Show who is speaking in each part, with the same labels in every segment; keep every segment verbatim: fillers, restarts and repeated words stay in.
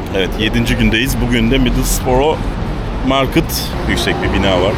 Speaker 1: Evet, yedinci gündeyiz. Bugün de Middlesbrough Market. Yüksek bir bina var.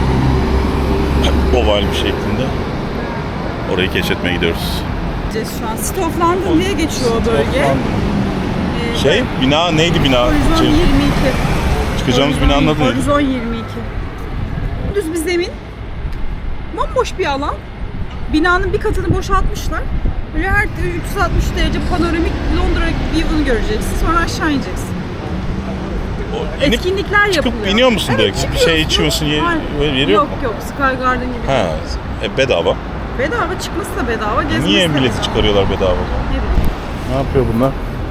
Speaker 1: Oval bir şeklinde. Orayı keşfetmeye gidiyoruz.
Speaker 2: Şu an City of London diye geçiyor o bölge. Ee,
Speaker 1: Şey, bina neydi bina?
Speaker 2: Horizon
Speaker 1: Şey,
Speaker 2: yirmi iki.
Speaker 1: çıkacağımız
Speaker 2: Horizon,
Speaker 1: binanın adı neydi?
Speaker 2: Horizon yirmi iki. Düz bir zemin. Bomboş bir alan. Binanın bir katını boşaltmışlar. Böyle her üç yüz altmış derece panoramik Londra view'unu göreceksin. Sonra aşağı ineceksin.
Speaker 1: O, inip
Speaker 2: Etkinlikler
Speaker 1: çıkıp
Speaker 2: yapılıyor.
Speaker 1: iniyor musun direkt? Bir
Speaker 2: çıkıyorsun.
Speaker 1: şey içiyorsun, ye,
Speaker 2: Hayır.
Speaker 1: böyle yeri
Speaker 2: Yok
Speaker 1: yok mu?
Speaker 2: yok, Sky Garden gibi.
Speaker 1: Ha, e, bedava.
Speaker 2: Bedava, çıkması da bedava, gezmesi
Speaker 1: Niye
Speaker 2: de
Speaker 1: milleti
Speaker 2: bedava.
Speaker 1: çıkarıyorlar bedava o zaman?
Speaker 2: Ne bileyim.
Speaker 1: Ne yapıyor bunlar?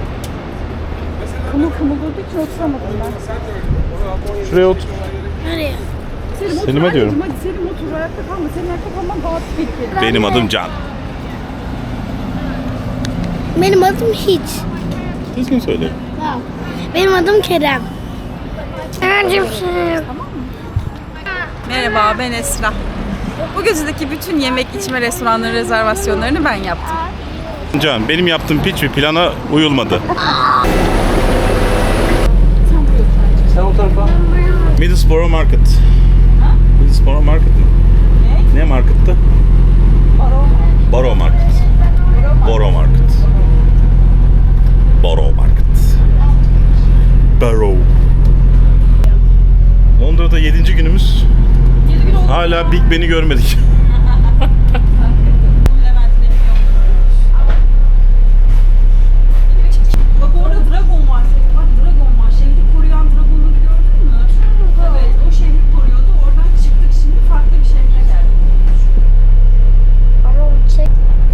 Speaker 2: Kımıl kımıl durduğu için oturamadım ben.
Speaker 1: Şuraya otur.
Speaker 3: Nereye?
Speaker 2: Selim otur
Speaker 1: Selim'e diyorum.
Speaker 2: anneciğim, hadi Selim otur, ayakta kalma. Senin ayakta kalman daha tehlikeli.
Speaker 1: Benim adım Can.
Speaker 3: Benim adım hiç.
Speaker 1: Düzgün söyle.
Speaker 3: Tamam. Benim adım Kerem. Kerem'cim.
Speaker 2: Merhaba, ben Esra. Bu gezideki bütün yemek içme restoranları rezervasyonlarını ben yaptım.
Speaker 1: Can, benim yaptığım pitch bir plana uyulmadı. Middlesbrough Market. Middlesbrough Market mi? Ne? Ne markettı? Borough Market. Borough Market. Borough Market. Borough. Londra'da yedinci günümüz. Hala Big Ben'i görmedik.
Speaker 2: Bak orada dragon var. Bak dragon var. Şehri koruyan dragonları gördün mü? Evet, o şehri koruyordu. Oradan çıktık, şimdi farklı bir şehre geldik.
Speaker 3: Ama çek.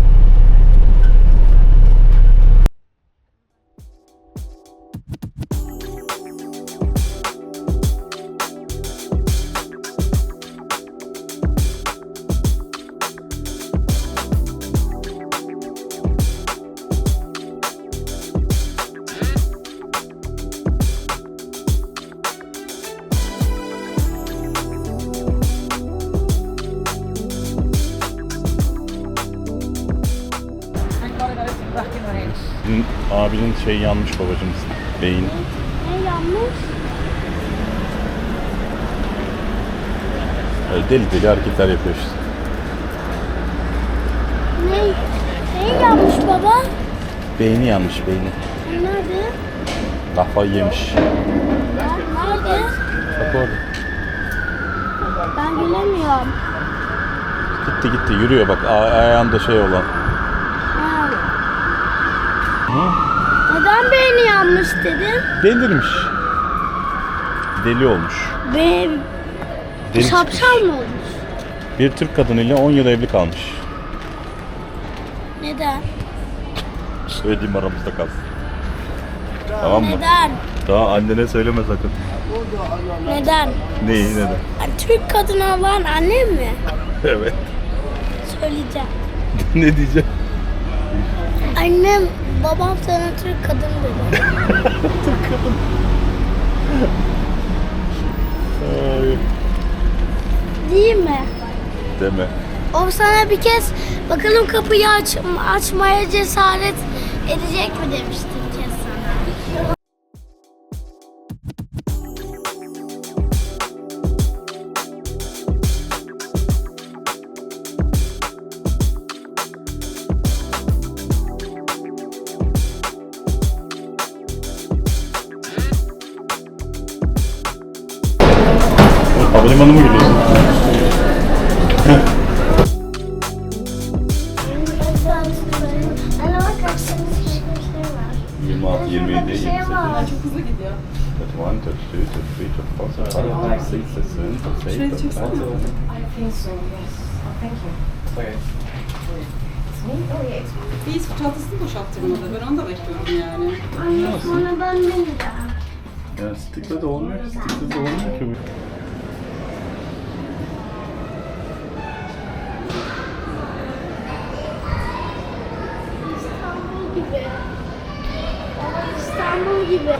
Speaker 1: Senin abinin şey yanmış babacığım. Beyin.
Speaker 3: Ne yanlış?
Speaker 1: Öyle deli deli hareketler yapıyor işte.
Speaker 3: Ne? Ne yanlış baba?
Speaker 1: Beyni yanmış beyni.
Speaker 3: Nerede?
Speaker 1: Kafayı yemiş.
Speaker 3: Nerede?
Speaker 1: Bak orada.
Speaker 3: Ben bilemiyorum.
Speaker 1: Gitti gitti yürüyor bak a- ayağında şey olan.
Speaker 3: Ha.
Speaker 1: Hı?
Speaker 3: Neden beyni yanmış dedin?
Speaker 1: Delirmiş. Deli olmuş.
Speaker 3: Be
Speaker 1: Deli
Speaker 3: şapşal
Speaker 1: çıkmış.
Speaker 3: mı olmuş?
Speaker 1: Bir Türk kadınıyla on yıl evli kalmış.
Speaker 3: Neden?
Speaker 1: Söylediğim aramızda kalsın. Tamam mı?
Speaker 3: Neden?
Speaker 1: Daha annene söyleme sakın.
Speaker 3: Neden?
Speaker 1: Neyi neden?
Speaker 3: Yani Türk kadını olan annem mi?
Speaker 1: Evet.
Speaker 3: Söyleyeceğim.
Speaker 1: Ne diyeceğim?
Speaker 3: Annem, babam sana Türk kadın dedi.
Speaker 1: Ay,
Speaker 3: Değil mi?
Speaker 1: deme.
Speaker 3: O sana bir kez bakalım kapıyı aç, açmaya cesaret edecek mi demişti bir kez sana.
Speaker 1: Havalimanı mı gidiyorsun?
Speaker 3: Anne bak karşımızda bir şey var.
Speaker 1: yirmi altı, yirmi yedi, yirmi sekiz.
Speaker 2: Çok hızlı gidiyor.
Speaker 1: thirty-one, thirty-two, thirty-three, thirty-four, thirty-five, thirty-six, thirty-seven, thirty-eight, thirty-nine.
Speaker 4: I think so, yes. Oh, thank you.
Speaker 1: Okay.
Speaker 4: It's me? Oh, yeah, it's me.
Speaker 2: Bir çantasını boşalttırmadı. Ben onu da bekliyorum yani.
Speaker 3: Anne sonra ben ne diyeceğim?
Speaker 1: Ya stickle de olmuyor ki, stickle de olmuyor ki bu.
Speaker 3: İstanbul gibi. Ama İstanbul gibi.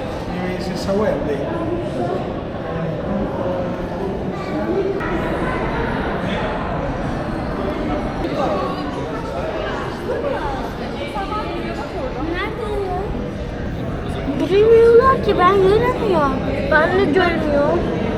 Speaker 3: Yürümüyorlar ki, ben göremiyorum. Ben de görmüyorum.